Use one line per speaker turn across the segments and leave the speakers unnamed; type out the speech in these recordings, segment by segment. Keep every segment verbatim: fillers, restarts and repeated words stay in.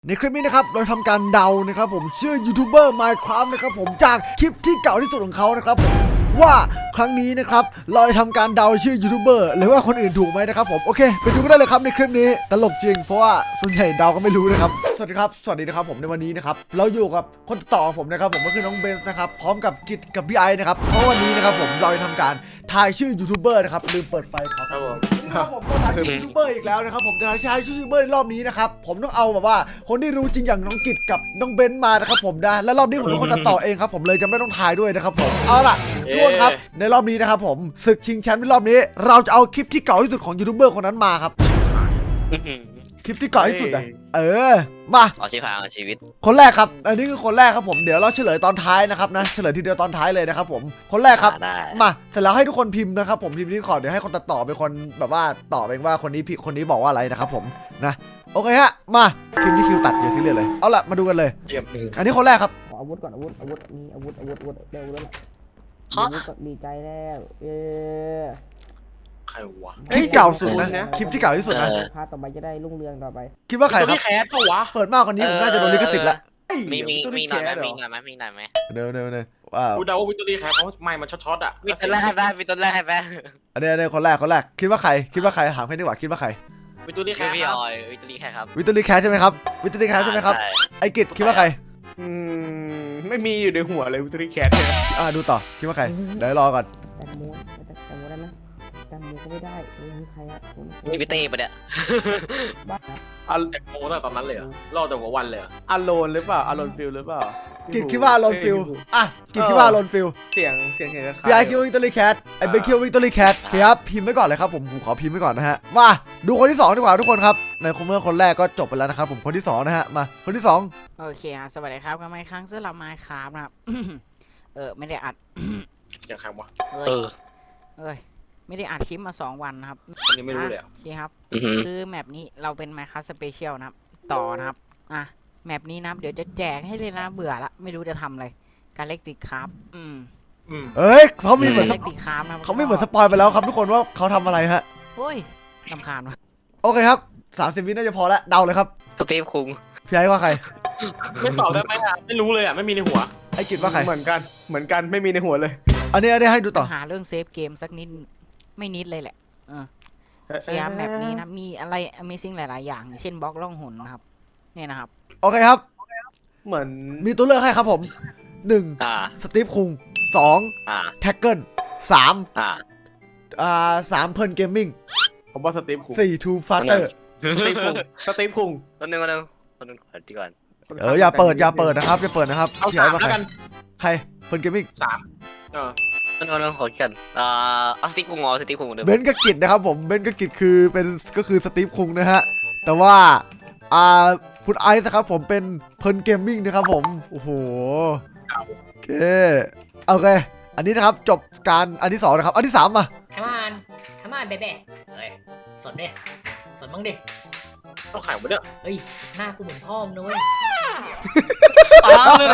ในคลิปนี้นะครับเราทำการเดานะครับผมชื่อยูทูบเบอร์ Minecraft นะครับผมจากคลิปที่เก่าที่สุดของเขานะครับผมว่าครั้งนี้นะครับเราจะทำการเดาชื่อยูทูบเบอร์หรือว่าคนอื่นถูกไหมนะครับผมโอเคไปดูกันได้เลยครับในคลิปนี้ตลกจริงเพราะว่าส่วนใหญ่เดาก็ไม่รู้นะครับสวัสดีครับสวัสดีนะครับผมในวันนี้นะครับเราอยู่กับคนต่อผมนะครับผมก็คือน้องเบนซ์นะครับพร้อมกับกิจกับพี่ไอนะครับเพราะวันนี้นะครับผมเราจะทำการทายชื่อยูทูบเบอร์นะครับลืมเปิดไฟครับผมครับผมก็ทายชื่อยูทูบเบอร์อีกแล้วนะครับผมแต่ทายชื่อยูทูบเบอร์รอบนี้นะครับผมต้องเอาแบบว่าคนที่รู้จริงอย่างน้องกิจกับน้องเบนซ์มานะครับผมนะและรอบนี้ผมเป็นคนตัดต่อเองครับผมเลยจะไม่ต้องทายด้วยนะครับผมเอาล่ะทุกคนครับในรอบนี้นะครับผมศึกชิงแชมป์ในรอบนี้เราจะเอาคลิปที่เก่าที่สุดของยูทูบเบอร์คนนั้นมาครับคลิปที่เก่าที่สุดอะเออมา
เอาชีพหางชีวิต
คนแรกครับอันนี้คือคนแรกครับผมเดี๋ยวเราเฉลยตอนท้ายนะครับนะเฉลยทีเดียวตอนท้ายเลยนะครับผมคนแรกครับมาเสร็จแล้วให้ทุกคนพิมพ์นะครับผมพิมพ์ที่ขอเดี๋ยวให้คนตัดต่อเป็นคนแบบว่าตอบเองว่าคนนี้ผิดคนนี้บอกว่าอะไรนะครับผมนะโอเคฮะมาพิมพ์ที่คิวตัดเดี๋ยวซีเรียสเลยเอาละมาดูกันเลยอันนี้คนแรกครับ
อาวุธก่อนอาวุธอาวุธมีอาวุธอาวุธอาวุธเร็วแล้วอาวุธก็ดีใจแล้วเออ
ใครวะ
คลิปเก่าสุดนะคลิปที่เก่าที่สุดนะ
พาต่อไปจะได้รุ่งเรืองต่อไป
คิดว่าใครครับ
แคสปะวะ
เปิดมากกว่านี้ผมน่าจะโดนลิขสิทธิ์ละ
มีมีมีหน่อยไหมมีหน่อยไหมมีหน่อยไหม
เดี๋ยวเดี๋ยวเดี๋ยวว้าว
กูเดาว่าวิตตอรี่แคสเพราะไม่มันช็อตๆอ่ะ
มีต้นแรกให้แม่มีต้นแรกให้แม่
อันนี้อันนี้คนแรกคนแรกคิดว่าใครคิดว่าใครถามให้ดีกว่าคิดว่าใคร
วิตตอรี่แคส
พี่ออยวิตตอรี่แคสครับ
วิตตอรี่แคสใช่ไหมครับวิตตอรี่แคสใช่ไหมครับไอกิจคิดว่าใคร
อืมไม่มีอยู่ในหัวเลยวิตตอรี่แคสเนี่ย
อ่าดูต่อคิดว่าใครเดี๋ยวรอก่อน
แตงโมแตงโมได้ไหมแตงโมก็ไม่ได้มีใครอ่ะ
มีพี่เต้ปะเนี่ย
บ้า
อันแตงโมตั้งตอนนั้นเลยรอแต่หัววันเลยอารอนหรือเปล่าอารอนฟิลหรือเปล่า
กิจคิดว่าอารอนฟิลอ่ะกิจคิดว่าอารอนฟิล
เสียงเสียงเสียง
พี่ไอคิดว่าวิตตอรี่แคสไอเบคคิดว่าวิตตอรี่แคสครับพิมพ์ไว้ก่อนเลยครับผมผมขอพิมพ์ไว้ก่อนนะฮะมาดูคนที่สองดีกว่าทุกคนครับในคอมเมอร์คนแรกก็จบไปแล้วนะครับผมคนที่สองนะฮะมาคนที่สอง
โอเคอ่ะสวัสดีครับกันใหม่ครั้งสำหรับไมค์ครับนะครับเออไม่ได้อัด
เสียงใครวะ
เออเอ้ยไม่ได้อัดคลิปมาสองวันนะครับ
อันนี้ไม่รู้เลยอ่ะ
พี่ครับคือแมปนี้เราเป็น Minecraft Special นะครับต่อนะครับอ่ะแมปนี้นะเดี๋ยวจะแจกให้เลยนะเบื่อละไม่รู้จะทำอะไรการเล็กติดครับอืม
เอ้ยเขามีเหมือน
เล็กติดครับนะ
เขาไม่เหมือนสปอยไปแล้วครับทุกคนว่าเขาทำอะไรฮะ
โอ้ยลำคาญวะ
โอเคครับสามสิบวิน่าจะพอแล้วเดาเลยครับ
สตีฟคุง
พี่ไอ้ว่าใคร
ไม่ตอบได้ไหมอ่ะไม่รู้เลยอ่ะไม่มีในหัว
ไอ้กิจว่าใคร
เหมือนกันเหมือนกันไม่มีในหัวเลย
อันนี้อันนี้ให้ดูต่อ
หาเรื่องเซฟเกมสักนิดไม่นิดเลยแหละเออพยายามแบบนี้นะมีอะไร Amazing หลายๆอย่างเช่นบล็อกล่องหนนะครับนี่นะครับ
โอเคครับ
เหมือน
มีตัวเลือกให้ครับผมหนึ่งสตีฟคุงสองแท็กเกิลสามอ่าสามเพิร์นเกมมิ่ง
ผมว่าสตีฟคุง
สี่ทูฟาเตอร์
สตีฟคุงสตีฟคุง
ตัวนึงตัวนึงตัวนึงขอดีก่อน
เอออย่าเปิดอย่าเปิดนะครับอย่าเปิดนะครับ
เอาสามแล้วกัน
ใครเพิร์นเกมมิ่ง
สามเออ
ตัวนึงขอกันอ่าเอาสตีฟคุงอ๋อสตีฟคุงเดิม
เบนกับกิจนะครับผมเบนกับกิจคือเป็นก็คือสตีฟคุงนะฮะแต่ว่าอ่าคุณไอซ์ครับผมเป็นเพิร์นเกมมิ่งนะครับผมโอ้โหโอเคโอเคอันนี้นะครับจบการอันที่สองนะครับอันที่สามมา
ขมานขมานเบ๊ะเฮ้ยสดดิสดบ้างดิ
ต้องขายหมดเนี่ย
เฮ้ยหน้ากูเหมือนพ่อมึงนะเว้ย
อ้าวเลย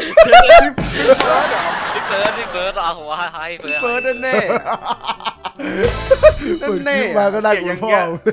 พี่เฟิร์สพี่เฟิร์สเอาหัวให้เฟิร์ส
เฟิร์สแน่
แน่มาก็ได้เหมือนพ่อ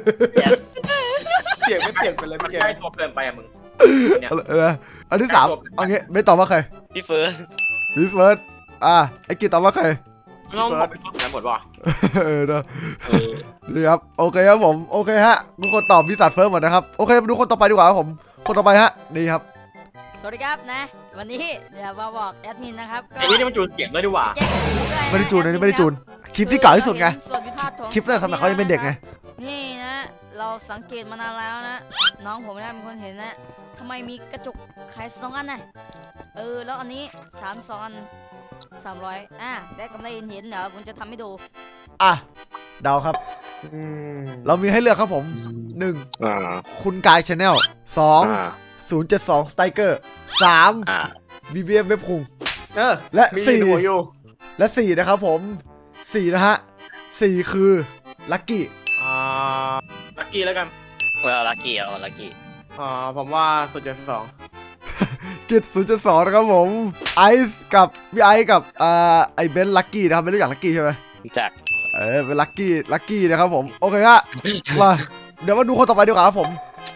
เสียงไม่เปลี่ยนไปเลยมันใกล้ตัวเกินไปอะมึง
เนี่ยอันที่สามเอางี้ไม่ตอบว่าใคร
พี่เฟิร์ส
พี่เฟิร์สอ่ะไอ้กิตตอบว่าใคร
ไม่ต้องบอกพี่เฟิร์สไหนหมดวะ
เออนะนี่ครับโอเคครับผมโอเคฮะทุกคนตอบพี่สัตว์เฟิร์สหมดนะครับโอเคมาดูคนต่อไปดีกว่าครับผมคนต่อไปฮะนี่ครับ
สวัสดีครับนะวันนี้เดี๋ยวมาบอกแอดมินนะครับ
ไอ้นี่มันจูนเสียงด้วยดีกว่า
ไม่ได้จูนอันนี้ไม่ได้จูนคลิปที่เก่าที่สุดไงคลิปแรกสมัยเขายังเป็นเด็กไง
นี่นะเราสังเกตมานานแล้วนะน้องผมนะเป็นคนเห็นนะทำไมมีกระจกขายสองอันน่ะเออแล้วอันนี้สามสองอันสามร้อยอ่ะได้กำไรเห็นเห็นเดี๋ยวผมจะทำให้ดู
อ่ะเดาครับเรามีให้เลือกครับผมหนึ่งคุณกายชาแนลสองศูนย์เจ็ดสองสไตรเกอร์สามบีวีเอฟเว็บคุงและสี่และสี่นะครับผมสี่นะฮะสี่คือลัคกี้
อ่าลัคกี้แล้วกัน
เออลัคกี้เอาลัคกี้
อ่าผมว่าสุดเจ็ดสอง
กิจศูนย์เจ็ดสองนะครับผมไอซ์กับพี่ไอซ์กับอ่าไอเบนลัคกี้นะครับไม่รู้จักลัคกี้ใช่ไหม
รู้จัก
เออเป็นลัคกี้ลัคกี้นะครับผมโอเคฮะมาเดี๋ยวมาดูคนต่อไปดีกว่าครับผม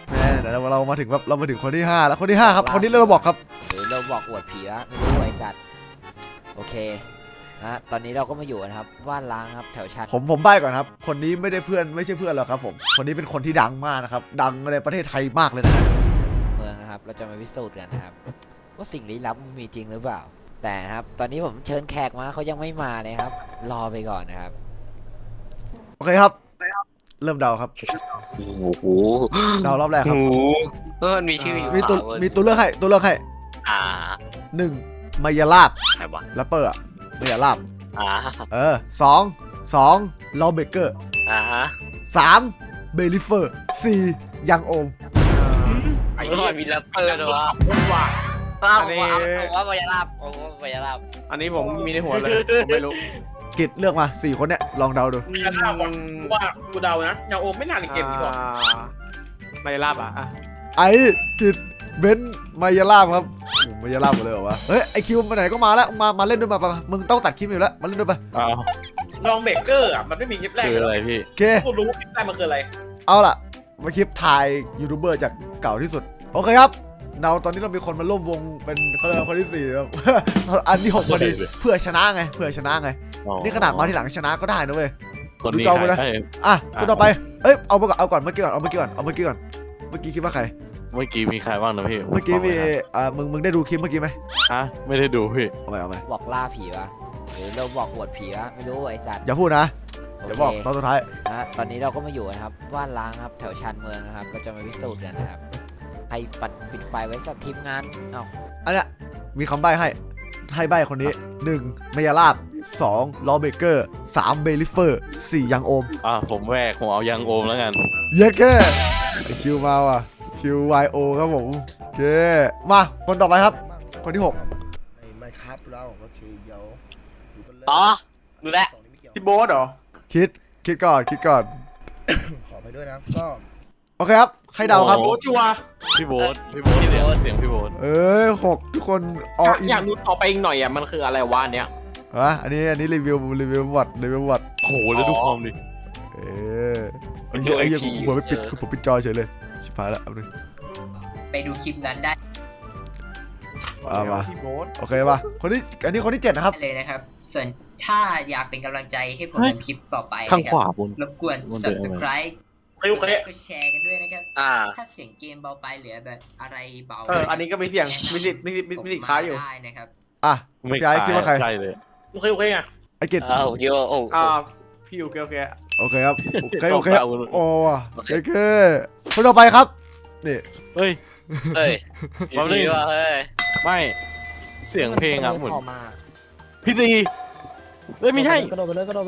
แม่เดี๋ยวเรามาถึงแบบเรามาถึงคนที่ห้าแล้วคนที่ห้าครับคนนี้เราบอกครับ
หรือเราบอกอวดผีวะไม่รู้ไอ้จัดโอเคนะตอนนี้เราก็มาอยู่กันครับบ้านล้างครับแถวชั้น
ผมผมใบ้ก่อนครับคนนี้ไม่ได้เพื่อนไม่ใช่เพื่อนหรอกครับผมคนนี้เป็นคนที่ดังมากนะครับดังในประเทศไทยมากเลยนะ
เมืองนะครับเราจะมาพิสูจน์กันนะครับว่าสิ่งลี้ลับมันมีจริงหรือเปล่า แต่ครับตอนนี้ผมเชิญแขกมาเขายังไม่มาเลยครับ รอไปก่อนนะครับ
โอเคครับเริ่มเดาครับ
โอ้โห
เดารอบแรกครับ
โอ้โหเออมันมีชื่ออยู่
มีตัว
สามเว้ย
มีตัวเลือกให้ตัวเลือกให้
อ่า
หนึ่งมายาลาบ
ใครวะ
แรปเปอร์อะมายาลาบ
อ่า
เออสองสองลอเบเกอร์
อ่าฮะ
สามเบลิเฟอร์สี่ยังโอม
ไอ้
เอ
เหี้
อย มีแรปเปอร์ด้วยวะ
ว่า
อ้าว
อันนี้
ผมว่าผมว่ามายาลาบผมว่ามายาลาบ
อันนี้ผมมีในหัวเลยผมไม่รู้
กิดเลือกมาสี่คนเนี่ยลองเดาดู
กันหน้าก่อนว่ากูเดานะยังโอมไม่น่าในเกมนี้หรอก
ไม่ได้ลาบอ่ะอ่ะ
ไอ้กิดเบนซ์มายาลาบครับโอ้มายาลาบหมดเลยเหรอวะเฮ้ยไอคิวมาไหนก็มาแล้วมามาเล่นด้วยมาไปมามึงต้องตัดคลิปอยู่แล้วมาเล่นด้วยไป
อ้าว
ลองเบเกอร์อ่ะมันไม่มีคลิปแรก
คือ
เลย
อะไรพี่
โอเค
กูรู้ว่าคลิปแรกมันคืออะไร
เอาล่ะมาคลิปถ่ายยูทูบเบอร์จากเก่าที่สุดโอเคครับเราตอนนี้เรามีคนมาร่วมวงเป็นเขาเรียกว่าคนที่สี่ครับ อันที่หกพอดีเพื่อชนะไงเพื่อชนะไง
อ๋อ
นี่ขนาดมาทีหลังชนะก็ได้นะเว้ย
คน
ดู
นี้
จอ
ใค
กู
ร
นะ
เอ้ย
อ่ะ
อ่ะ
คนต่อไปเอ้ยเอาไปก่อนเอาก่อนเมื่อกี้ก่อนเอาเมื่อกี้ก่อนเอาเมื่อกี้ก่อนเมื่อกี้คิดว่าใคร
เมื่อกี้มีใครบ้างนะพี่
เมื่อกี้มี
บหน่ย
อ่ามึงมึงได้ดูคลิปเมื่อกี้ไหม
ฮะไม่ได้ดูพี่
เอาไปเอาไป
บอกล่าผีวะหรือเราบอกอวดผีวะไม่รู้ไอ้จัด
อย่าพูดนะ
โอ
เดี๋ยว
เค
บอกตอนสุดท้าย
นะตอนนี้เราก็มาอยู่กันครับบ้านล้างครับแถวชานเมืองนะครับเราจะมาพิสูจน์กันนะครับใครปัดปิดไฟไว้สักทีมงานเอ้า
อันเนี้ยมีคำใบ้ให้ให้ใบ้คนนี้หนึ่งมายาลาบสองลอเบเกอร์สามเบลิเฟอร์สี่ยังโอม
อ่ะผมแวกผมเอายังโอมแล้วกัน
เย้แค่คิวมาว่ะคิว วาย โอ ครับผมโอเคมาคนต่อไปครับ คนที่หก
ไม่ครับเราก็คือเดี๋ยวดูกันเลย
อ๋อดูแลว
สองนี้ไม่เกี่ยว
พี่โบ๊ทเหรอ
คิดคิดก่อนคิดก่อน
ขอไปด้วยนะก็
โอเคครับให้เดาครับ
โบ๊ทชัวร์
พี่โบ๊ทพี่โบ๊ทเสียงเสียงพี่โบ๊ท
เอ้ยหกทุกคนอ
อยาก
อิน
อยากรู้ต่อไปอีกหน่อยอ่ะมันคืออะไรวะอันเนี้ย
ฮะอันนี้อันนี้รีวิวรีวิววัดรีวิววัด
โอ้โหแล้วดูความดิ
เออไอ้เหี้ยไอ้เหี้ยกูหัวไม่ปิดกูปิดจอเฉยเลยชิบหายแล้วเอาหนึ่ง
ไปดูคลิปนั้นได้
เอามา
พี่โบ๊ท
โอเคป่ะคนที่อันนี้คนที่เจ็ดนะครับ
เลยนะครับ ส่วนถ้าอยากเป็นกำลังใจให้ผมทำคลิปต่อไป
ข้าง
นะค
ข
รับ
วาบน
รบกวน
มันเป็นยังไง
subscribe
โอเคโอเค
ก็แชร์กันด้วยนะครับ
อ่า
ถ้าเสียงเกมเบาไปเหลือแบบอะไรเบา
เอออันนี้ก็มีเสียงมีสิทธิ์มีสิทธิ์มีสิทธิ์ค้าอยู่
ได้นะครับ
อ่ะ
ไม่
พี่ไอ้คิดว่าใคร
ใช่เลย
โอเคโอเคไง
ไอ้กิจ
เออโอเคโอ้
อ่าพี่โอเคโอเค
โอเคครับโอเคโอเค
เอา
โอ้ว่ะโอเคคนต่อไปครับนี่
เฮ้ย
เฮ้ย
มาเลย
ดีว่ะเฮ้ย
ไม่เสียงเพลงอ่ะเหมือนพี่ซีเอ้ยไม่ใช่
มา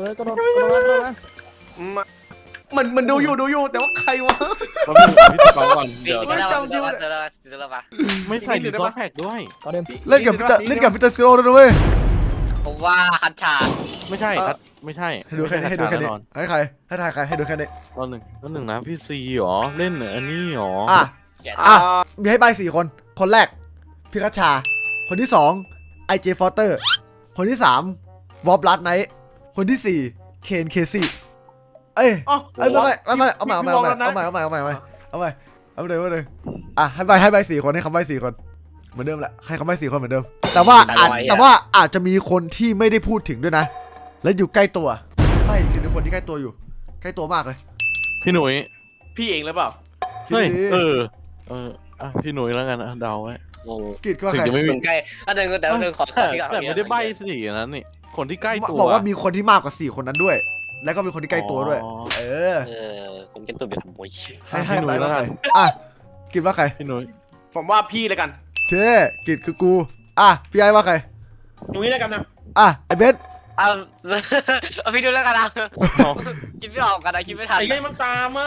มันมันดูอยู่ดูอยู่แต่ว่าใครวะ
เราพี่พี่ซีฟังก่อน
ปี
เดี๋ยว
นี้เราเราเราเราเรา
ไม่ใส่ดิซอสแพ็กด้วย
เล่นกับพีเตอร์เล่นกับพีเตอร์ซิโร่ด้วยนะเว้ย
ผมว่าฮัตชา
ไม่ใช่ครับไม่ใช่
ให้ดูแค่นี้ให้ดูแค่นี้
ไม่ใช่
ให้ใครให้ถ่ายใครให้ดูแค่นี้
ตอนหนึ่งตอนหนึ่งนะพี่ซีหรอเล่นอันนี้หรอ
อ่ะ
แกะ
อ่ะ มีให้ใบสี่คน คนแรกพิคัชชา คนที่สองไอเจฟอเตอร์ คนที่สามวอลลัดไนท์คนที่สี่เคนเคซี่เอ้ย
อ๋อ
เอ้ยไม่ไม่ไม่ไม่เอาใหม่เอาใหม่เอาใหม่เอาใหม่เอาใหม่เอาใหม่เอาใหม่เอาใหม่เอาใหม่เอาเลยเอาเลยอ่ะให้ใบให้ใบสี่คนให้คำใบสี่คนเหมือนเดิมแหละให้คำใบสี่คนเหมือนเดิม แต่ว่าอาจแต่ว่าอาจจะมีคนที่ไม่ได้พูดถึงด้วยนะ และอยู่ใกล้ตัวใช่คือคนที่ใกล้ตัวอยู่ ใกล้ตัวมากเลย
พี่หนุ่ย
พี่เองหรือเปล่า
เฮ้ยเออเอออ่ะพี่หนุ่ยแล้วกันอ่ะเดาไว้
โอ้
กิดก็
ถึง
ใคร
จะไม่มี
ใกล้อันนึงแต่ว่าเธอขอขอ
แต่
ที่ก่อน
แต่ไม่ได้ใบสีนั้นนี่คนที่ใกล้ตัว
บอกว่ามีคนที่มากกว่าสี่คนนั้นด้วย แล้วก็มีคนที่ใกล้ตัวด้วย
อ๋อ
เออ
เออผมเป็นตัวไปทำมวย
ให้ให้
พี่หนุ่
ไป
ยแล้
ว่าว ใค
กั
ร
น
อ่ะกิดว่าใคร
พี่หนุ่ย
ผมว่าพี่เลยกัน
โอเคกิดคือกูอ่ะพี่ไอ้ว่าใคร
ตรงนี้แล้วกันนะ
อ่ะไอ้เบน
เอาเอาพี่ดูแล้วกันนะคิดไม่ออกกันนะคิดไม่ทัน
ไอ้ไงมันตามมา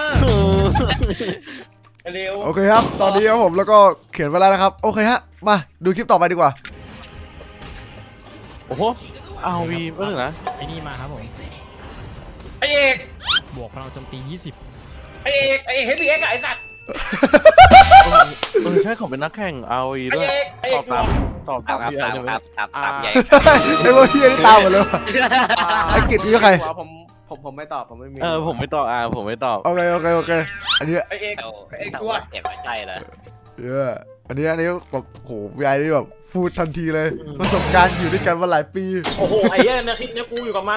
เร็ว
โอเคครับ ตอนนี้ครับผมแล้วก็เขียนไว้แล้วนะครับ โอเคฮะ มาดูคลิปต่อไปดีกว่า
โอ้โหอาวีเมื่อไหร่นะ
ไอ้นี่มาครับผม
ไอเอก
บวกพลังโจมตียี่สิบ
ไอเอกไอเอกเฮฟวี่เอ็กไอสัตว์
เออใช่เขาเป็นนักแข่งอาวี
ไอ
ด้วย
เอกไอ
ต
เอ
อบ
ก
ตามตอบ
ตา
ตาม
มครับ
พี่ไอ้
ตาม
ใช่ไหม
ครับตามตามใหญ่
ไอ้พวกเฮียนี่ตามหมดเลยว่ะ ไอ้กิจนี่ใคร
ผมผผมผมไม่ตอบผมไม่มี
เออผมไม่ตอบอ่าผมไม่ตอบ
โอเคโอเคโอเคอันนี้
ไอเอก
เอา
ไอเอก
แต่
กู
ว่า
ว่า
เสียงไม่ใช่เลย
เอออันนี้อันนี้แบบโหพี่ไอ้นี่แบบพูดทันทีเลยประสบการณ์อยู่ด้วยกันมาหลายปี
โอ้โหไอ้เหี้ยนะคลิปเนี้ยกูอยู่กับมัน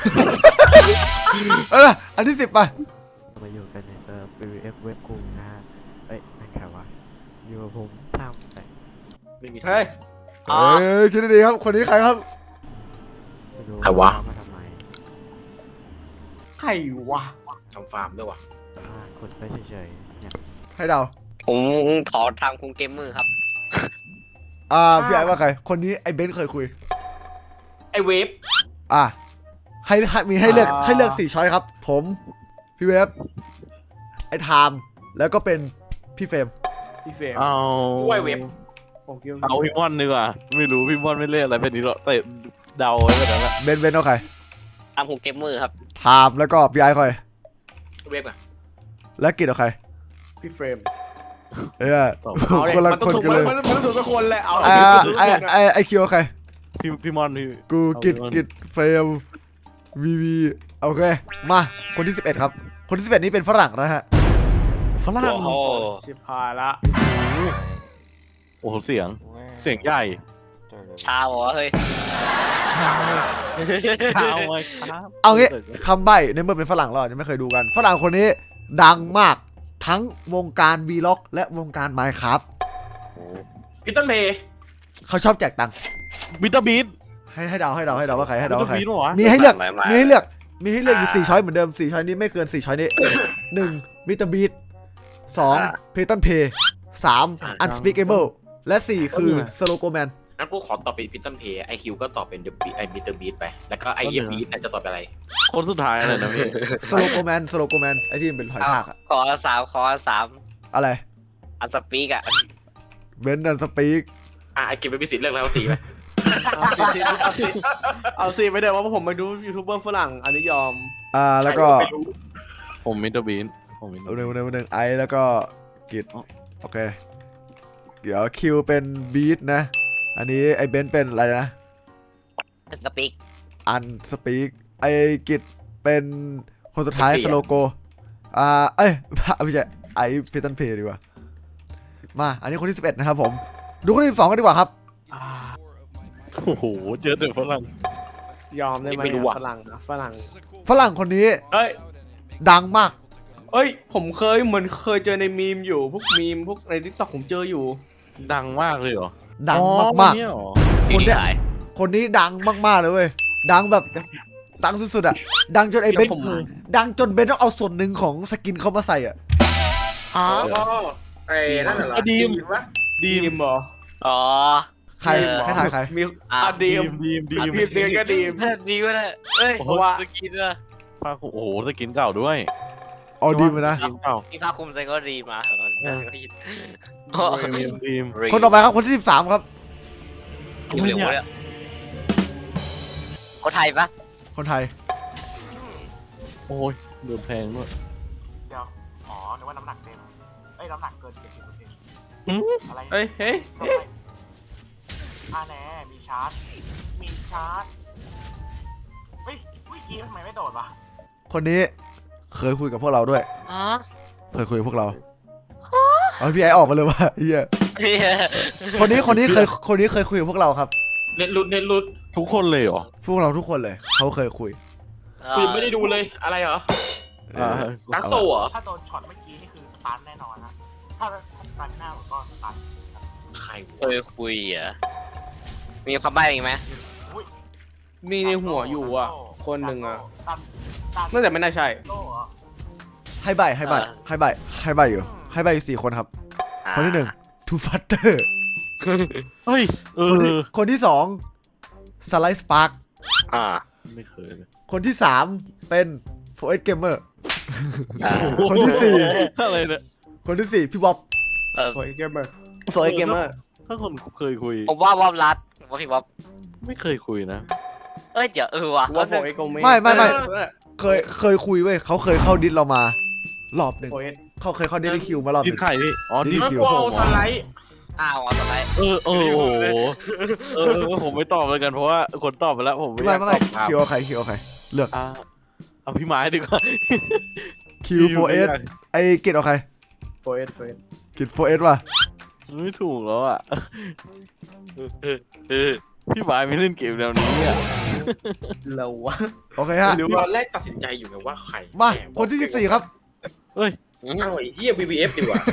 เอออันที่สิบไป
มาอยู่กันในเซิร์ฟ วี วี เอฟ เว็บคุงนะฮะเอ้ยนั่นใครวะอยู่กับผมทำไป
ไม่มี
เฮ้ย
อ๋อ
เอ้ยคิดดีๆครับคนนี้ใครครับ
ไม่รู้
ใครวะ
มาทำไม
ใครวะ
ทำฟาร์มด้วยวะ
อ่าคนไปเฉยๆเนี่ย
ให้เดา
ผมขอทางคุงเกมมือครับ
อ่าพี่ไอ้ว่าใครคนนี้ไอ้เบนซ์เคยคุย
ไอเวฟ
อ่ะให้ให้มีให้เลือกให้เลือกสี่ช้อยครับ ผมพี่เวฟไอ้ไทม์แล้วก็เป็นพี่เฟรม
พี่เฟรม
เอา
กูว่าไอเวฟ
ผมคิดว่า
เอาพี่มอนดีกว่าไม่รู้พี่มอนไม่เล่นอะไรเป็นนี้หรอกแต่เดาไว้แบบนั้นแหละ
เบนซ์เบนซ์เอาใคร
ทางคุงเกมมือครับ
ไทม์แล้วก็พี่ไอ้ใคร
เวฟอะ
และกิจเอาใคร
พี่เฟรม
เออ
ตอบ
คนละคนกันเลย
มันต้องถูกสักคนแหละเอา
อ่าไอ้ไอ้ไอ้คิวเอาใคร
พี่พี่มอนพี่
กูกิจกิจเฟรมวีวีโอเคมาคนที่สิบเอ็ดครับคนที่สิบเอ็ดนี้เป็นฝรั่งนะฮะ
ฝรั่ง
โอ้โห
ชิบหายละ
โอ้โหเสียงเสียงใหญ่
ชาเหรอเฮ้ย
เอาไว้ครับ
เอางี้คำใบ้ในเมื่อเป็นฝรั่งเราอาจจะไม่เคยดูกัน ฝรั่งคนนี้ดังมากทั้งวงการวีล็อกและวงการไมค์ครับ
พีเตอร์เพย์
เขาชอบแจกตังค์
บิตเตอร์บีท
ให้ให้เดาให้เดาให้เดาว่าใครให้เดาว่าใคร
บิตเตอร์บีทเหรอ
มีให้เลือก
ไม่ไม่
มีให้เลือกมีให้เลือกอยู่สี่ช้อยเหมือนเดิมสี่ช้อยนี้ไม่เกินสี่ช้อยนี้ หนึ่งมิสเตอร์บีทสองเพตันเพย์สามอันสปีกเอเบิลและสี่คือสโลโกแมน
งั้นกูขอตอบเป็นพีเตอร์เพย์ไอคิวก็ตอบเป็นเดอะบีไอพีเตอร์บีทไปแล้วก็ไอเอฟบีทจะตอบเป็นอะไร
คนสุดท้ายอะไรนะพี่
สโลโกแมนสโลโกแมนไอที่มันเป็นหอยทากอะ
ขอสามขอสาม
อะไร
อันสปีกอะ
เบนดันสปีก
อ่ะไอเก็บไปพิสิทธิ์เลือกแล้วสีไป
เอาสิเอาสิเอาสิไปเดี๋ยวว่าผมไปดูยูทูบเบอร์ฝรั่งอันนี้ยอม
อ่าแล้วก็
ไม่รู้
ผมมิสเตอร์บีทผมมิสเตอ
เอา
ร์
ห
บี
นึ่
ท
งหนึ่งหนึ่งไอแล้วก็กิจโอเคเดี๋ยวคิวเป็นบีทนะ อันนี้ไอเบนเป็นอะไรนะ
สปีก
อันสปีกไอกิจเป็นคนสุดท้ายสโลโกอ่าเอ้ย ไม่ใช่ไอเพตันเพย์ดีกว่ามาอันนี้คนที่สิบเอ็ดนะครับผมดูคนที่สิบสองกันดีกว่าครับ
อ่า
โอ้โหเจอแต่ฝรั่ง
ยอมได้ไหม
ไม่รู้
อะ
อะ
ฝรั่งนะฝรั่ง
ฝรั่งคนนี้
เฮ้ย
ดังมาก
เอ้ยผมเคยเหมือนเคยเจอในมีมอยู่พวกมีมพวกในทิกตอกผมเจออยู่
ดังมากเลยเหรอ
ดัง
อ๋อ
มาก
คนนี้เหรอ
ๆคนเนี้ยคนนี้ดังมากๆเลยเว้ยดังแบบดังสุดๆอะดังจนไอเบน
ผม
ดังจนเบนต้องเอาส่วนหนึ่งของสกินเขามาใส่อะ
อ๋อ
อ๋อไอ้นั่นน่ะเหรอ
ดีม
วะ
ดีมเหรอ
อ๋อ
ใครให้ถ่ายใคร
มี
อ่ะ
อ่ะดีม
ดีมดีม
ดีมเดียก็ดีม
ดีก็ได้เฮ้ย
เพราะว่า
สกินอะ
ผ้าคลุมโอ้โหสกินเก่าด้วย
อ๋อดีมานะ
สกินเก่า
ที่ผ้าคลุมใส่ก็ดีมาเหรอ
เออ
ดี
ดีมดีม
คนต่อไปครับคนที่สิบสามครับ
อยู่เร็วเลยคนไทยปะ
คนไทย
โอ้ยโดนแพงด้วย
เดี๋ยวอ๋อนึกว่าน้ำหนักเต็มเอ้ยน้ำหนักเกินเจ็ดสิบเปอร์เซ็นต์
หืม
อะไร
เฮ้ยเฮ้ย
ทำไมอ่าแน่มีชาร์จ มีชาร์จ เฮ้ยวิกี้ทำไมไม่โดดวะ
คนนี้เคยคุยกับพวกเราด้วย
อ๋อ
เคยคุยกับพวกเราเอาพี่ไอออกมาเลยว่ะเฮียคนนี้คนนี้เคยคนนี้เคยคุยกับพวกเราครับ
เน็ตรุดเน็ตรุด
ทุกคนเลยเหรอ
พวกเราทุกคนเลยเขาเคยคุย
กูยังไม่ได้ดูเลยอะไรเหรอ
อ่า
ดักโซเหรอ
ถ้าโดนช็อตเมื่อกี้นี่คือสตันแน่นอนนะ ถ้าสตันหน้าผมก็สตัน
ใคร
เคยคุยอ่ะมีคำใบ้อีกไหม
มีในหัวอยู่อ่ะ คนหนึ่งอ่ะ
ตันตัน
น่าจะไม่น่าใช่
โล่เหรอ
ให้ใบให้ใบให้ใบให้ใบอยู่ให้ใบอยู่สี่คนครับ คนที่หนึ่งทูฟัตเตอร์
เฮ้ยเอ
คนที่
อ
คนที่สองสไลด์สปาร์ค
อ่า
ไม่เคยเลย
คนที่สามเป็นโฟเอสเกมเมอร์
อ่า
คนที่สี่
อะไรเนี่ย
คนที่สี่พี่บ๊อบ
เออ
สวยเกมเมอร์สวยเกมเมอร์
ถ้าคนเคยคุย
ผมว่าวอบรัดผมว่าพี่วอบ
ไม่เคยคุยนะ
เอ้ยเดี๋ยวเออว่ะ
ว่าโฟเอ็กโกเม
ไม่ไม่ไม่เคยเคยคุยเว้ยเขาเคยเข้าดิสเรามารอบหนึ่ง
โฟเอ็ก
เขาเคยเข้าดิสคิวมารอบห
ดิ
นึ่
น
ง
ไข่พี่อ๋อดิน
แล้ว
คิว
กูเอาสไลด์
อ้าวเอาต่อไป
เออเออโอ้โหเออเออผมไม่ตอบเลยกันเพราะว่าคนตอบไปแล้วผมไม่อ
ไม่
ยาก
ไม่
ต
ไม่
อบตาม
คิวเอาใครคิวเอาใครเลือก
อ่าเอาพี่ไม้ดีกว่า
คิว โฟร์ เอส ไอเกตเอาใคร
โฟเอสโฟเอส
เกต โฟร์ เอส ว่ะ
ไม่ถูกแล้วอ่ะพี่ไม้ไม่เล่นเกมแนวนี้อ่ะ
เราวะ
โอเคฮะ
หรือว่าแรกตัดสินใจอยู่ไงว่าใคร
มาคนที่สิบสี่ครับ
เฮ้ย
อ้าวไอ้เหี้ย บี บี เอฟ ดีกว่า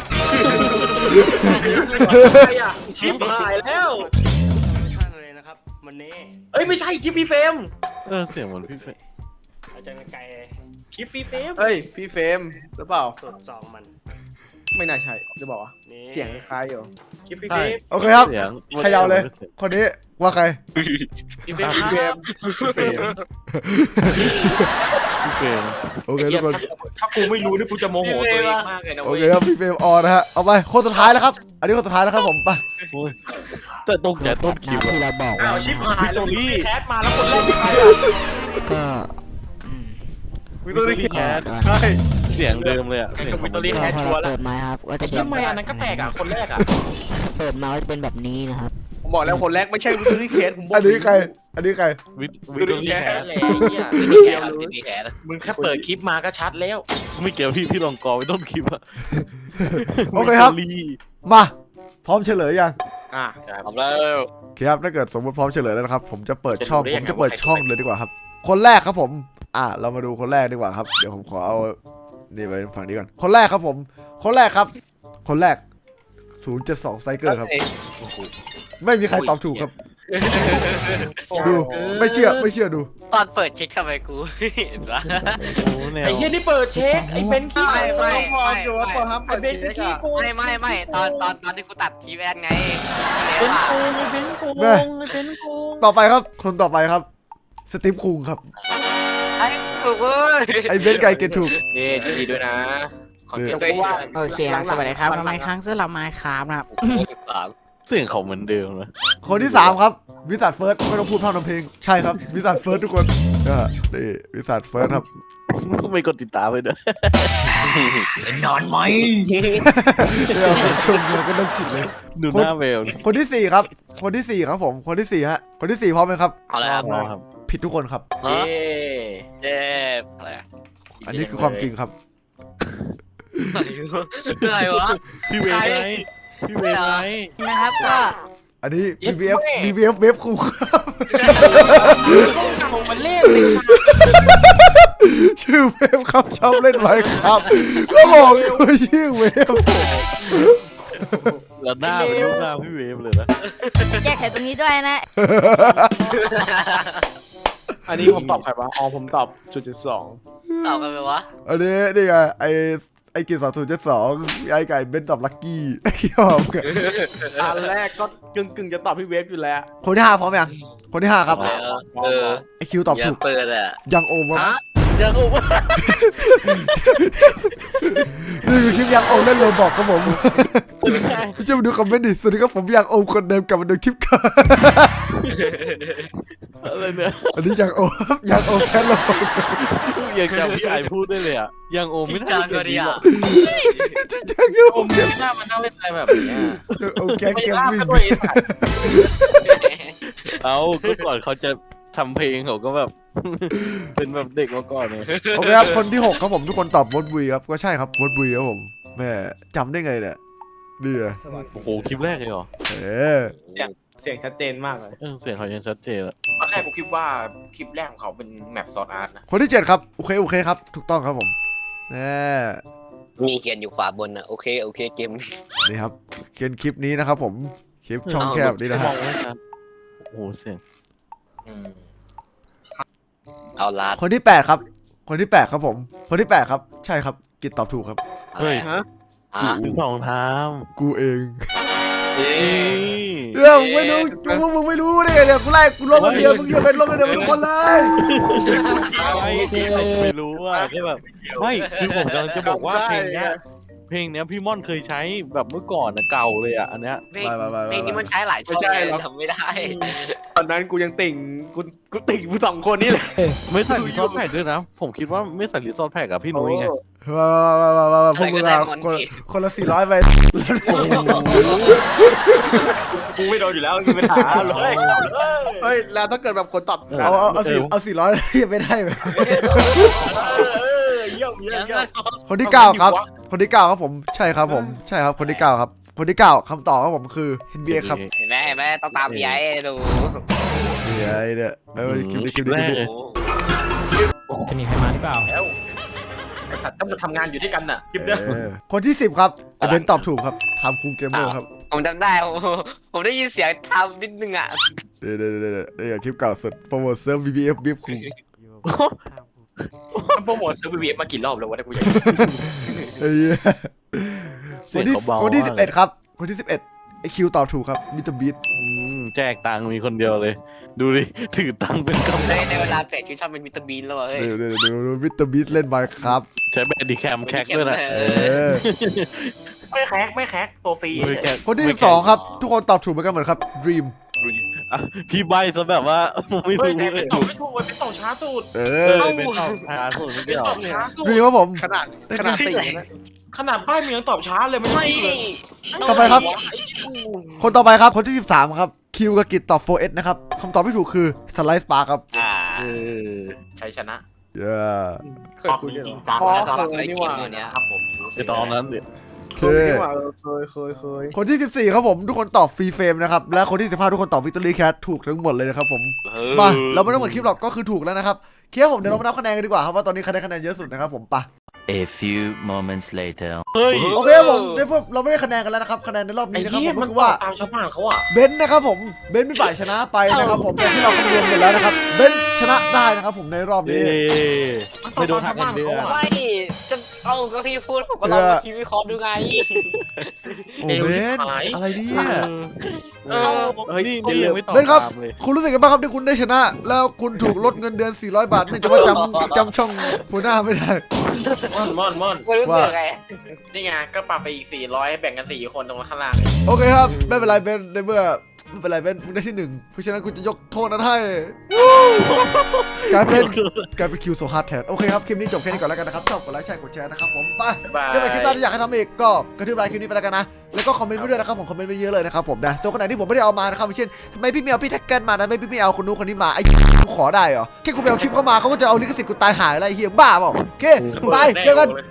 ชิปหายแล้ว
ไม่ใช่เลยนะครับมันนี่
เอ้ยไม่ใช่คลิปพี่เฟรม
เออเสียงเหมือนพี่เฟย
อาจารย์ไกล
คลิปพี่เฟรม
เฮ้ยพี่เฟรมหรือเปล่า
ตรวจสอบมัน
ไม่น่าใช่จะบอกว่า
นี่
เสียงคล้ายอยู่
คลิปพี่เฟรม
โอเคครับ
เสียง
ใครเดาเลย คนนี้ว่าใคร
พี่เฟรม
พี่เฟรม
พี่เฟยพี่เฟย
โอเคทุกคน
ถ้ากูไม่รู้นี่กูจะโมโหตัวเองมากเลยนะ
โอ
เว้ย
เคครับพี่เฟรมออนนะฮะ เอาไปคนสุดท้ายแล้วครับ อันนี้คนสุดท้ายแล้วครับผมไป
โอ้ยแต่ตรงใจต้นคลิป
ที่
อะ
เราบอก
อ้า
ว่าว
ชิปหายแล้ว
พี่
พี่
โทนี่
แคสมาแล้วคนแรกเป็นใครอะ
ก็อืม
วิตัวนี้
พี่แคท
ใช่
เสียงเดิมเลยอ่ะ
เป็นกับวิตเตอรี่
ก็
แคส
พอ
ชัว
เรา
ร์แล้ว
เปิดไม้ครับก็
ไอ้
จะ
ชิปไม่อันนั้นก็แปลกอ่ะคนแรกอ่ะ
เปิดมาก็จะเป็นแบบนี้นะครับ
ผมบอกแล้วคนแรกไม่ใช่วิตัวนี้เคสผมบอก
อันนี้ใคร อันนี้ใคร
วิวิดีโอ
แค
แค
ส
ส
เลยไอ้เหี้ย
ไม่แคร์ครับไม่แคร์
มึงแค่เปิดคลิปมาก็ชัดแล้ว
ไม่เกี่ยวพี่พี่ลองกอไว้ต้นคลิปอะ
โอเคครับ
วิตตอรี่
มา พร้อมเฉลยยัง
อ่ะ
พร้อมแล้ว
โอเคครับถ้าเกิดสมมติพร้อมเฉลยแล้วนะครับ ผมจะเปิด
จะรู้
ช่อง
ได้
ผ
ยัง
ม
ไง
จะเปิด
ว่าใคร
ช่อง
เป็น
เลยดีกว่าครับ คนแรกครับผม อ่ะเรามาดูคนแรกดีกว่าครับ เดี๋ยวผมขอเอา นี่ไปฝั่งนี้ก่อน คนแรกครับผม คนแรกครับ คนแรก ศูนย์เจ็ดสอง ไซเคิลครับ ไม่มีใครตอบถูกครับ ดู ไม่เชื่อ ไม่เชื่อดู
ตอนเปิดเช็คทำไมกูเห็นปะ
โอ้แนว
ไอ้เหี้ยนี่เปิดเช็คไอ้เบนขี้
ไม่ไม่
พออยู่ว่าพอครับ
ไอ้เบนขี้โกง
ไม่ไม่ไม่ตอนตอนตอนที่กูตัดทีแวนไง
เบ
แล้ว
น
อะ
โกงไอ้เบนโกง
แม่
ไอ้เบนโกง
ต่อไปครับ คนต่อไปครับ สตีฟคุงครับ
ไอ้ถูกเว้ย
ไอเบนไก่เกตถูก
เย้ดีด้วยนะขอเก็บ
เออ
ไว้ว่า
โอเคครับสวัสดีครับทำไมครั้งเสื้อเรามาครับนะครับ
สิบสาม
เสียงเขาเหมือนเดิมนะ
คนที่สามครับ วิสัทเฟิร์สไม่ต้องพูดพร่ำทำเพลง ใช่ครับ วิสัทเฟิร์สทุกคนอ่านี่วิสัทเฟิร์สครับ
ไม่กดติดตามไปด้วย
นอนไหม
เดี๋ยวผมชมเลยก็ต้องจิตเลย
ดูหน้าเวล
คนที่สี่ครับ คนที่สี่ครับผม คนที่สี่ฮะ คนที่สี่พร้อมไหมครับ
เอาละครับ
ครับ
ผิดทุกคนครับ
เย้
เจ็บอะไรอะ
อันนี้คือความจริงครับ
อะไรวะ
พี่เวฟไงพี่เวฟไง
นะครับก็
อันนี้ บี บี เอฟ บี บี เอฟ เวฟคูครับ
ของมันเล่นเลยค่ะ
ชื่อเวฟครับชอบเล่นไว้ครับ ก็บอกอยู่ว่าชื่อเวฟ
แล้วหน้าเป็นรูปหน้าพี่เวฟเลยนะ
แก้ไขตรงนี้ด้วยนะ
อันนี้ผมตอบใครวะอ๋อผมตอบจุดจุดสอง
ตอบกันไปวะ
อันนี้นี่ไงไอไอกิจสองศูนย์เจ็ดสองไอไก่เบนตอบลักกี้ไอ้ยอมกัน
อันแรกก็กึ่งกึ่งๆจะตอบพี่เวฟอยู่แล้ว
คนที่ห้าพร้อมยังคนที่ห้าครับ
เออเออ
ไอคิวตอบ
อย่า
ถูก
เปิดอ่ะ
ยังโอมครับ
ยังโอ้
นี่คือคลิปยังโอมเล่นโรบอกครับผมพี่จะมาดูคอมเมนต์ดิสวัสดีครับผมยังโอมคนเดิมกลับมาดูคลิปกัน
อะไรเนี่ย
อันนี้ยังโอมครับยังโอมแค่โรบอก
ยังจำพี่ไอพูดได้เลยอ่ะยังโอ
จริ
ไม่
ง
น่า
จัง
เกิ
ก็
ด
ดี
นี้หร
อ่ะ
อก
จริงจังยังโอ
ผม
ม
ไม่น่ามานั่งเล่นอะไรแบบนี้
ยังโอมแกง
ไม่
เกม
ลาบ
วิ่ง
ก็ด้วยไอ้สัตว์
เอาก็ก่อนเขาจะทำเพลงเขาก็แบบ เป็นแบบเด็กมาก่อนเลย
โอเคครับคนที่หกครับผมทุกคนตอบวอดบุยครับก็ใช่ครับวอดบุยครับผมแม่จำได้ไงเนี่ยนี่ไง
โอ้โหคลิปแรกเลยเหรอ
เออ
เสียงชัดเจนมากเลย
เออเสียงเขายังชัดเจนอะ
ตอนแรกกูคิดว่าคลิปแรกของเขาเป็นแมปซอร์อาร์ตนะ
คนที่เจ็ดครับโอเคโอเคครับถูกต้องครับผมแน่
มีเขียนอยู่ขวาบนอ่ะโอเคโอเคเกม
นี่ครับเขียนคลิปนี้นะครับผมคลิปช่องแคบนี่นะ
ม
ฮะ
องไม่ชัดโอ้โหเสียง
อืม
เอาลาด
คนที่แปดครับ คนที่แปดครับผม คนที่แปดครับใช่ครับกิตตอบถูกครับ
เฮ้ย
ฮะ
อ่ะ
มีสองทาม
กูเอง
เอ๊ะ
เรื่องมึงไม่รู้มึงมึงไม่รู้ได้ไงเนี่ยกูไล่กูลงคนเดียวมึงอย่าเป็นลงคนเดียวเป็นคนเลย
ไม่ที่เขาไม่รู้ว่าแค่แบบไม่คือผมกำลังจะบอกว่าเพลงเนี้ยเพลงเนี้ยพี่ม่อนเคยใช้แบบเมื่อก่อนนะเก่าเลยอ่ะอันเนี้ย
เพลงเพลงนี้มันใช้หลายช่องเลยทำไม่ได้
ตอนนั้นกูยังติ่งกูกูติ่งกูสองคนนี่แหละ
ไม่ใส่รีซอสแพ็กด้วยนะ ผมคิดว่าไม่ใส่รีซอสแพ็กกับพี่นุ้ยไง
มามามามามาพวกมึงอะคนคนละสี่ร้อยไป
กูไม่โดนอยู่แล้วมีปัญหาเลย
เฮ้ยแล้วถ้าเกิดแบบคนตอบ
เอาเอาเอาสี่เอาสี่ร้อยยังไม่ได้ไหม
ไเยอะเยอะ
คนที่เก้าครับ คนที่เก้าครับผมใช่ครับผมใช่ครับคนที่เก้าครับคนที่เก้าคำตอบครับผมคือ เอ็น บี เอ ครับ
เห็นไหมเห็นไหมต้องตามพี่ไอ้ดู
เดี๋ยวเนี่ยเอ้ยคลิปนี้คลิป
แร
นี้คลิป
ก
นี้
จะมีใครมาหรือเปล่า
แล้วไอสัตว์ต้องมาทำงานอยู่ด้วยกันน่ะคลิปเนี้ย
เออคนที่สิบครับไอเบนตอบถูกครับทำคูเกมเมอร์ครับ
ผมจำได้ผมผมได้ยินเสียงทำนิดนึงอ่ะ
เดี๋ยวเดี๋ยวเดี๋ยวเดี๋ยวคลิปเก่าสุดโปรโมทเซิร์ฟ บี บี เอฟ บี เอฟ คู
มันโปรโมทเซิร์ฟวีมากี่รอบแล้ววะถ้ากูอยาก
ไอ้เหี้ย
เสี
ค
ย
น
ง
ที่
เขาเบา
คนที่
มาก
สิบเอ็ดครับคนที่สิบเอ็ดไอคิวตอบถูกครับมิสเตอร์บีท
อืมแจกตังค์มีคนเดียวเลย ดูดิถือตังค์เป็นกำ
ใน
ลัง
ในเวลาแปลกชื่อชอบเป็นวิตามินแล้วเฮ้ย
เดี๋ยวเดี๋ยวเดี๋ยวมิสเตอร์บีทเล่นไมค์ครับ
ใช้แบดดีแคมแคกด้วยนะ
เออ
ไม่แคกไม่แคกตัวฟรี
ไม่แคก
คนที่สิบสองครับทุกคนตอบถูกเหมือนกันเหมือนครับ Dream
อ่ะพี่ใบซะแบบว่าไม่
เฮ้ย
รู้
แต่
เล
เป็
ย
นต่อไม่ถูกเป็นต่อช้าสุด
เอ
เอ
อ
อเป็นต่อทางสุดไม่
เป็น
เกี่ยว
ต่อช้าสุด
Dream ครับผม
ขนาดขนาดตีนะขนาดป้ายมันยังตอบช้าเลยไม่
ไม่
เลย
ต่อไปครับ คนต่อไปครับคนที่สิบสามครับคิวกับกิจตอบ โฟร์ เอส นะครับคำตอบที่ถูกคือ Slice Spark ครับ
อ่า
เออ
ชัยชนะ
เย้
ตอบจริงจัง
อ๋อ
นะครับ
เคยนี่หว่า
ครับผม
ไอตอนนั้นเนี่ย
โอเค
เคยนี่หว่าเออเคยเคยเคย
คนที่สิบสี่ครับผมทุกคนตอบฟรีเฟรมนะครับและคนที่สิบห้าทุกคนตอบ Victory Cat ถูกทั้งหมดเลยนะครับผมมาเราไม่ต้องเหมือนคลิปหรอกก็คือถูกแล้วนะครับเคลียร์ผมเดี๋ยวเรามานับคะแนนกันดีกว่าครับว่าตอนนี้ใครได้คะแนนเยอะสุดนะครับผมไป
A few moments later
เฮ้ย
โอเคครับผมได้พวกเราไม่ได้คะแนนกันแล้วนะครับคะแนนในรอบ
ไอ้
นี้นะครับ
เหี้
ผ
ย
ม
มั
ก็
น
คือว่า
ตามชาวบ้านเขาอ่ะ
เบนซ์นะครับผมเบนซ์เป็นฝ่ายชนะไปนะครับผมแต่ที่เราคำนวณหมดแล้วนะครับเบนซ์ชนะได้นะครับผมในรอบ
เย้
นี้
ไม่โดนทักกันเดือน
ไม่จะเอาก็พี่พูดผมก็ลองมาคิดวิเคราะห์ดูไง
โอ้เบนซ์อะไรเนี่ย
เออเฮ้ยนี่นี่ยังไม่ตอบ
เบนซ์ครับ
ตามเลย
คุณรู้สึกยังไงบ้างครับที่คุณได้ชนะ แล้วคุณถูกลดเงินเดือนสี่ร้อยบาทเนื่องจากว่าจำจำช่องหัวหน้าไม่ได้
ม่อนม่อนม่อน
ไม่รู้สึกไง
นี่ไงก็ปรับไปอีกสี่ร้อยแบ่งกันสี่คนตรงข้างล่าง
โอเคครับไม่เป็นไรเบนซ์ในเมื่อไม่เป็นไรเบนซ์มึงได้ที่หนึ่งเพราะฉะนั้นกูจะยกโทษนั้นให้กลายเป็นกลายเป็นคิวโซฮาร์ดแทนโอเคครับคลิปนี้จบแค่นี้ก่อนแล้วกันนะครับชอบกดไลค์แชร์กดแชร์นะครับผมไป
บาย
เจอกันคลิปหน้าที่อยากให้ทำอีกก็กระทืบไลค์คลิปนี้ไปแล้วกันนะแล้วก็คอมเมนต์ไว้ด้วยนะครับผมคอมเมนต์ไว้เยอะเลยนะครับผมนะส่วนคนไหนที่ผมไม่ได้เอามานะครับเช่นทำไมพี่ไม่เอาพี่แท็กเกิลมาทำไมพี่ไม่เอาคนนู้นคนนี้มาไอ้กูขอได้เหรอแค่กูไปเอาคลิปเข้ามาเขาก็จะเอาลิขสิทธิ์กูตายหายอะไรเฮียบ้าเปล่าโอเคบายเจอกัน